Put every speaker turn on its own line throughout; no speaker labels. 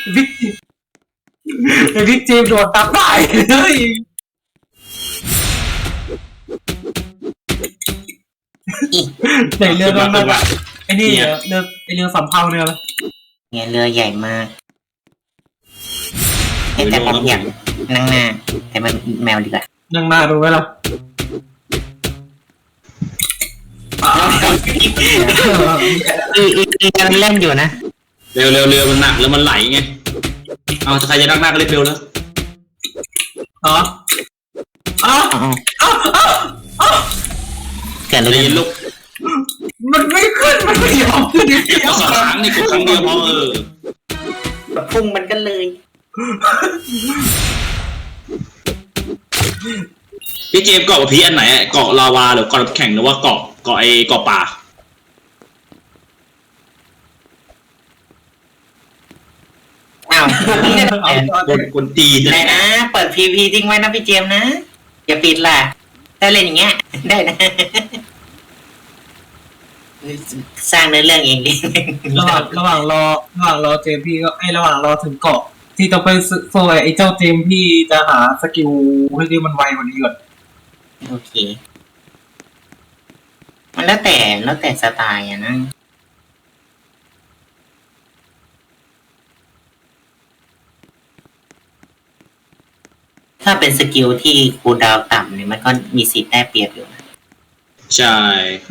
บิ๊กไอ้บิ๊กเจมโดดตับได้เลยไหนเรือนั่นอะไอ้นี่เรือไอ้เรือสำเภาเรือ
เนี่ยเรือใหญ่มากแต่ผมอยากนั่งหน้าแต่มันแมวดีกว่า
นั่งหน้าดูไว้ล่ะ
มันเล่นอยู่นะ
เร็วเรือมันหนักแล้วมันไหลไงเอาใครจะนั่งหน้าก็เร็วแล้ว
อ๋อ
เกิดอะไรขึ้น
ลูก
มันไม่ขึ้นมันไม่ยอมขึ้น
ก็สองครั้งนี่กูครั้งเดียวพอ
พุ่งมันก็เลย
พี่เจมเกาะพีอันไหนเกาะลาวาหรือเกาะแข็งหรือว่าเกาะไอเกาะป่า
อ้าว
คนตี
ได้นะเปิดพีพีทิ้งไว้นะพี่เจมนะอย่าปิดล่ะได้เล่นอย่างเงี้ยได้นะสร้างเนื้อเรื่องเองดิ
ระหว่างรอเจมพี่ก็ระหว่างรอถึงเกาะที่ต้องไปโซ่ไอ้เจ้าเจมพี่จะหาสกิลให้ที่มันไวกว่านี้ก่อน
โอเคมันแล้วแต่สไตล์อะนะถ้าเป็นสกิลที่คูลดาวน์ต่ำเนี่ยมันก็มีสิทธิ์ได้เปรียบอยู่นะ
ใช่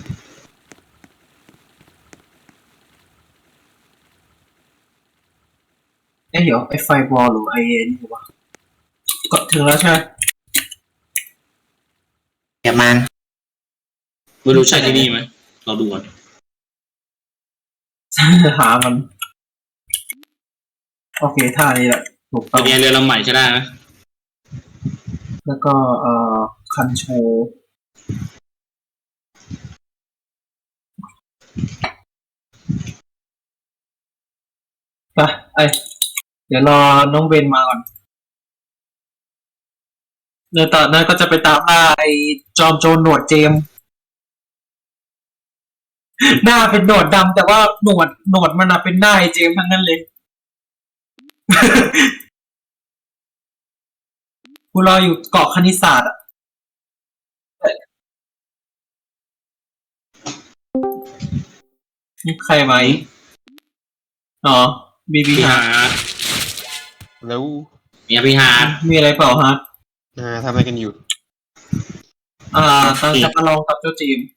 เดี๋ยวไอ้ไฟบอลหรือไอ้นี่วะก็ถึงแล้วใช่ไหม
เดี๋ยวมัน
ไม่รู้ใช่ที่นี่ไหมเราดูก่อน
หามันโอเคท่านี้แหละถูกต้อง
เรือลำใหม่ใช่ได้ไหม
แล้วก็คันโชไปเดี๋ยวรอน้องเบนมาก่อนเดี๋ยวตอนนั้นก็จะไปตามล่าไอ้จอมโจรหนวดเจมหน้าเป็นหนวดดำแต่ว่าหนวดมันเป็นหน้าไอ้เจมทั้งนั้นเลยกูรออยู่เกาะคณิตศาสตร์อ่ะนี่ใครไหมอ๋อบีบีฮาร์
แล้ว
เนี่ยพี่ฮาร์ด
มีอะไรเปล่าฮะ
ทำอะไรกันอยู่
จะประลองกับเจ้าจีม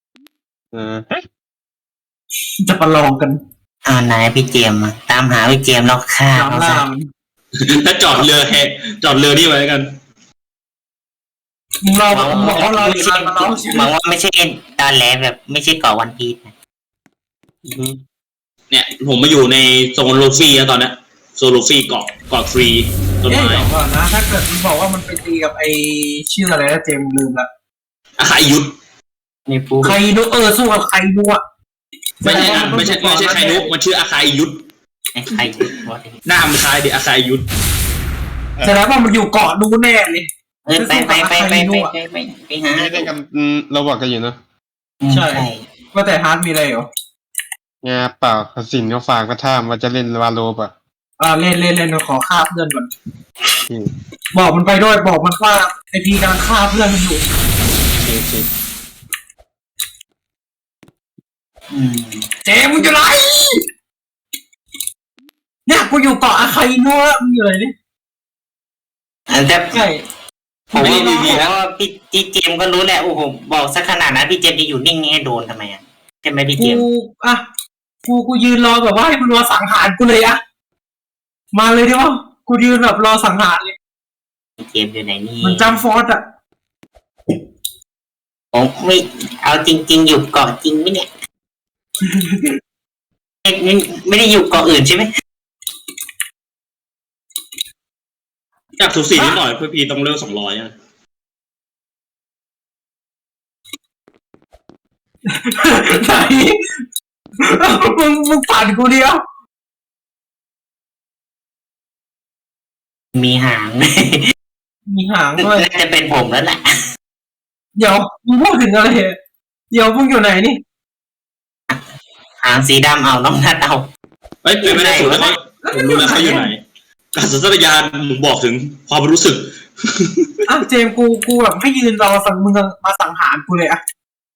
จะ
ประ
ลองกัน
นายพี่เจมตามหาพี่เจมแล้วฆ่าเขาซะ
ถ้าจอดเรือนี่ไว้กัน
เราบอกว่าเรา
หวังว่าไม่ใช่ตอนแรกแบบไม่ใช่เกาะวันพีชนะ
เนี่ยผมมาอยู่ในโซนโลฟี่แล้วตอนนี้โซนโลฟี่เกาะฟรี
ต้นไม้ก่อนนะถ้าเกิดมึงบอกว่ามันไปตีกับไอชื่ออะไรนะเจมลืมละ
อาคายุทธ
ใครนุสู้กับใครนุอ่ะ
ไม่ใช่ใครนุมันชื่ออาคายุทธหน้ามันคล้ายเด็กอาคายุทธ
แสดงว่ามันอยู่เกาะนู้นแน่เลย
ไปหา
ไม่ได้กันเราบอกกันอยู่เนอะ
ใช่ว่าแต่ฮาร์ดมีอะไรเหรอ
เปล่าสินเขาฝากมาถามว่าจะเล่นวาโลป่ะ
เล่นขอฆ่าเพื่อนก่อนบอกมันไปด้วยบอกมันว่าไอพีกำลังฆ่าเพื่อนมันอยู่เจมึงอยู่ไหนเนี่ยกูอยู่เกาะอาคาอิโนะมึงอยู่ไหนนี่
แต่ใช่ผมว่าพี่เจมก็รู้แหละโอ้โหบอกสักขนาดนั้นพี่เจมจะอยู่นิ่งๆให้โดนทำไมอ่ะใช่ไหมพี่เจม
กูยืนรอแบบว่าให้มันรอสังหารกูเลยอะมาเลยดิวะกูยืนแบบรอสังหารเลย
เกมอยู่ไหนนี่
มันจำฟอร์ดอะ
ผมไม่เอาจริงๆอยู่เกาะจริงไหมเนี่ยไม่ได้อยู่เกาะอื่นใช่ไหม
อยากสูสีนิดหน่อยเพื่อพีต้องเลือก200อ่ะ
ไหนมึงผ่านกูเดียว
มีหาง
ด้วย
จะเป็นผมแล้วแหละ
เดี๋ยวมึงพูดถึงอะไรเดี๋ยวมึงอยู่ไหนนี่
หางสีดำเอาน้องนัดเอา
เป็นไม่ได้สุดแล้วผมรู้แล้วเขาอยู่ไหนการสัญชาตญาณผมบอกถึงความรู้สึก
อ้าวเจมส์กูแบบให้ยืนรอสั่งมึงมาสังหารกูเลยอะ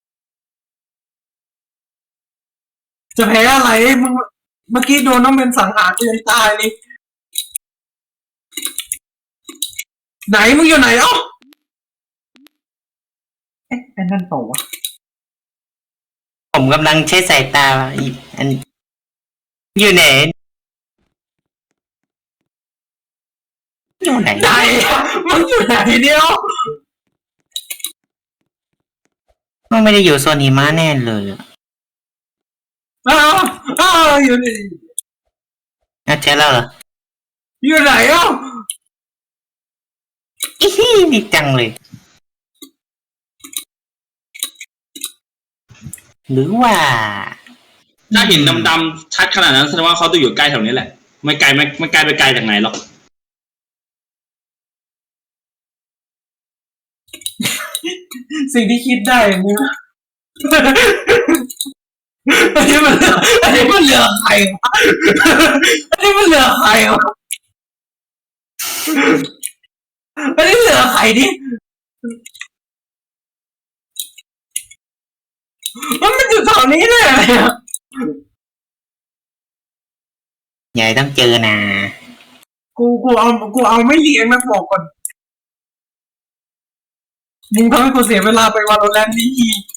จะแพ้อะไรมึงเมื่อกี้โดนน้องเป็นสังหารกูยังตายเลยไหนมึงอยู่ไหนเอ้าเอ๊ะไอ้นั่นเปล่าวะ
ผมกำลังใช้สายตาอันอยู่ไหนอยู่ไหน
ไหนมึงอยู่ไหนเดียว
มันไม่ได้อยู่โซนหิมะแน่เลยอะ
อ้าวอยู่ไหน
เจอแล้วเหรอ
อยู่ไหนเอ้า
อีฮี่ดีจังเลย หรือว่า
ถ้าเห็นดำๆชัดขนาดนั้นแสดงว่าเขาต้องอยู่ใกล้แถวนี้แหละไม่ไกลไปไกลจากไหนหรอก
สิ่งที่คิดได้มึงอันนี้มันเหลือใครวะอันนี้มันเหลือใครวะอันนี้เหลือใครดิมันอยู่แถวนี้เลยอะ
ใหญ่ต้องเจอนะ
กูเอาไม่เลี้ยงนะบอกก่อนมึงทำให้กูเสียเวลาไปวันโรแลนด์นี้อีก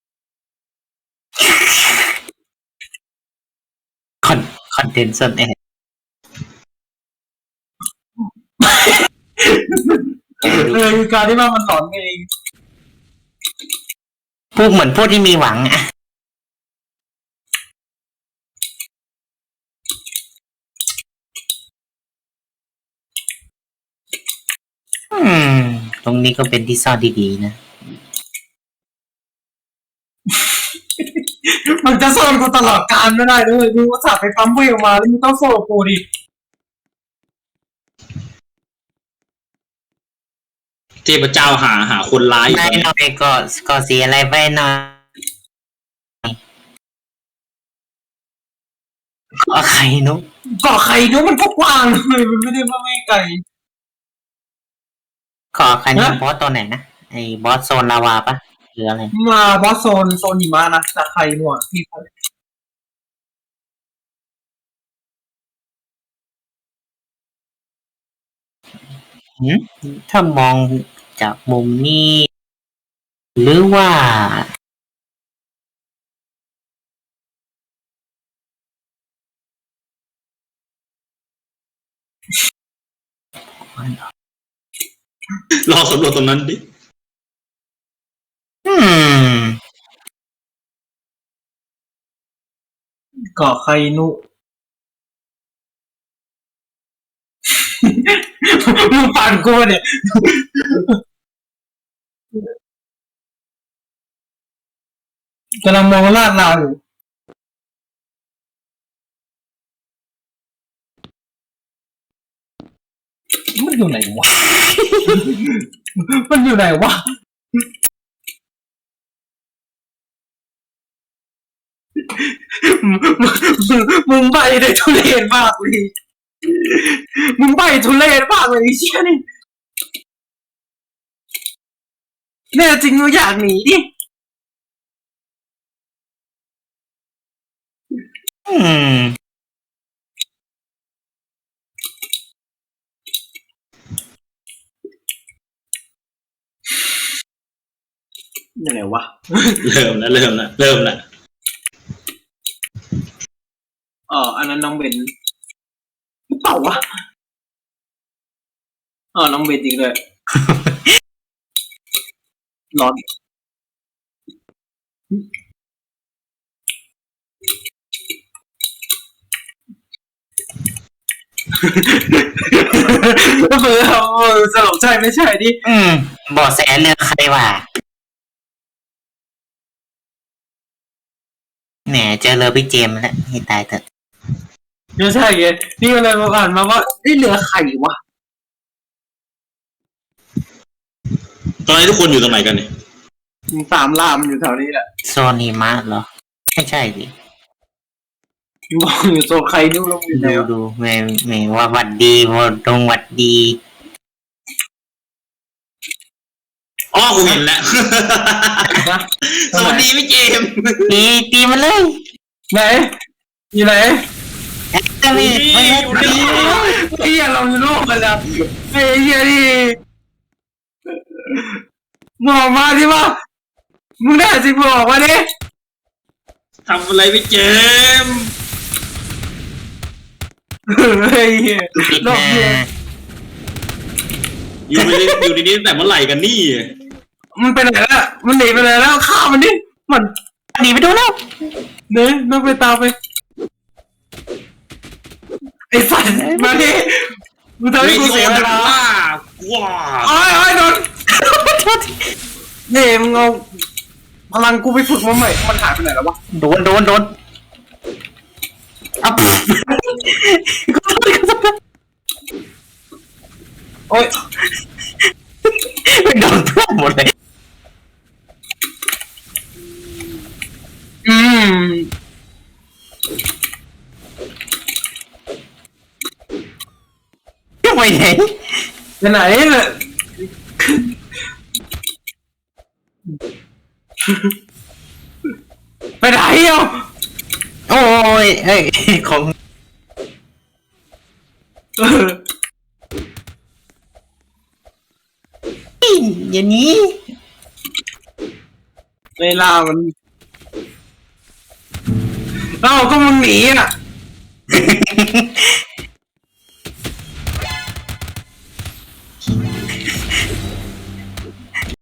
คอนเทนต์สดแอด
คือการที่ว่ามันหลอนเอง
พูดเหมือนพูดที่มีหวังอะตรงนี้ก็เป็นที่ซ่อนดีๆนะ
มันจะซ่อนกูตลอดกาลไม่ได้ด้วยมึงก็สับไปปั๊มเวลมาแล้วมึงต้องโซ่กูดิ
เทพเจ้าหาคนร้ายอยู่
ได้
ตอน
ห
นี้
น่อยก็เสียอะไรไปหน่อยก็ใครนุ๊ก
เกาะไข่นู้มันก็กว้างเลยมันไม่ได้ว่าไม่ไกล
ก็ใครนี่บอสตัวไหนนะไอ้บอสโซนลาวาปะหรืออะไร
มาบอสโซนหิมะนะจากไข่หนวดที่
ถ้ามองจากมุมนี้ หรือว่า
ลองสำรวจตรงนั้นดิ
อืม
เกาะไข่นุมึงปั่นกูเนี่ยกำลังมองลาดเราอยู่มันอยู่ไหนวะ มันอยู่ไหนวะ มึงใบได้ทุเรศมากเลยมึงใบทุเรศมากเลยไอ้เชี่ยนี่แน่จริงมึงอยากหนีดิ
อืม
ยังไงวะ
เริ่มแล้ว
อันนั้นน้องเบนหรือเปล่าวะน้องเบนจริงเลย ร้อน ก็คือสรุปใช่ไม่ใช่ดิ
บอสแสเลือกใครวะแหมเจอเลยพี่เจมส์แล้วให้ตายเถอะ
ไม่ใช่ไงนี่ก็เลยมาอ่านมาว่านี่เหลือไข่วะ
ตอนนี้ทุกคนอยู่ตรงไหนกันเนี่ย
สามลามอยู่แถวนี้แหละ
โซนหิมะเหรอ ไม่ใช่ดิ
อยู่โซนใครนู่นลงอยู่แล้ว
ดูแม่ว่าหวัดดีพอตรงหวัดดี
อ๋อกูเห็นแล้ว
นะ
สวัสดีพี่เจมส์
ตีมันเลย
ไหนอยู่ไหน
จะมี
ไอ้เหี้ยเราอยู่โลกกันแล้วไอ้เหี้ยนี่บอกมาดิว่ามึงได้สิบอกมาดิ
ทำอะไรพี่เจมส์
ไอ้เหี้ย
ปิด
โลก
นะ
เดียว
อยู่ดีๆตั้งแต่เมื่อไหร่กันนี่
มันไปไหนแล้วมันหนีไปไหนแล้วฆ่ามันดิมัน
หนีไปดูแล้ว
เนี่ยน้องไปตามไปไอ้สัตว์มาดิมึงทำให้กูเสียเวลา
ว้า
โอ้ยโดนนี่มึงเอาพลังกูไปฝึกมาใหม่มันหายไปไหนแล้ววะ
โดนอ่ะ
โอ้ย
โดนทั่วหมดเลย
อืม
ยังไปไหน
ไปไหนเนี่ยไปไหนอ่ะ
โอ้ยเอ้ยของ อย่างนี้
เวลามันเอ้าก็มึงหนีอ่ะ